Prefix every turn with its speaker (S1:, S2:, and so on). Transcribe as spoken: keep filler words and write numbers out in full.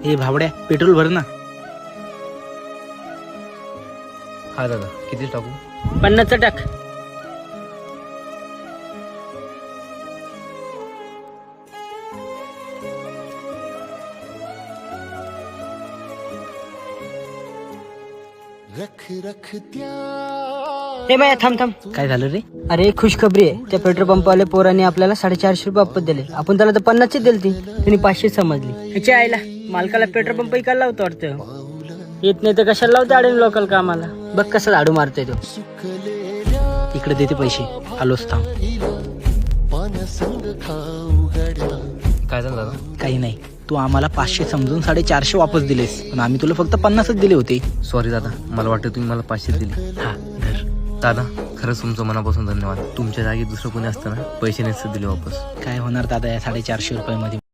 S1: हे भावड्या पेट्रोल भर ना.
S2: हा दादा, किती टाकू?
S3: पन्नासचं टाक. हे बाया थांब थांब.
S1: काय झालं रे?
S3: अरे खुशखबरी आहे. त्या पेट्रोल पंपवाले पोरांनी आपल्याला साडेचारशे रुपये वापस दिले. आपण त्याला तर पन्नासचे दिले ती त्यांनी पाचशे समजली. ह्याच्या आईला मालकाला पेट्रोल पंप इकायला लावतो वाटतं. येत नाही तर कशाला लावते आडे लोकल कामाला. बघ कसं झाडू मारतोय तो.
S1: इकडे देते पैसे, आलोच थांब.
S2: काय झालं दादा?
S1: काही नाही, तू आम्हाला पाचशे समजून साडेचारशे वापस दिलेस, पण आम्ही तुला फक्त पन्नासच दिले होते.
S2: सॉरी दादा, मला वाटतं तुम्ही मला पाचशे दिले.
S1: हा धर.
S2: दादा खरंच तुमचं मनापासून धन्यवाद. तुमच्या जागी दुसरं कोणी असतं ना पैसे नसतं दिले वापस.
S1: काय होणार दादा या साडेचारशे रुपयामध्ये.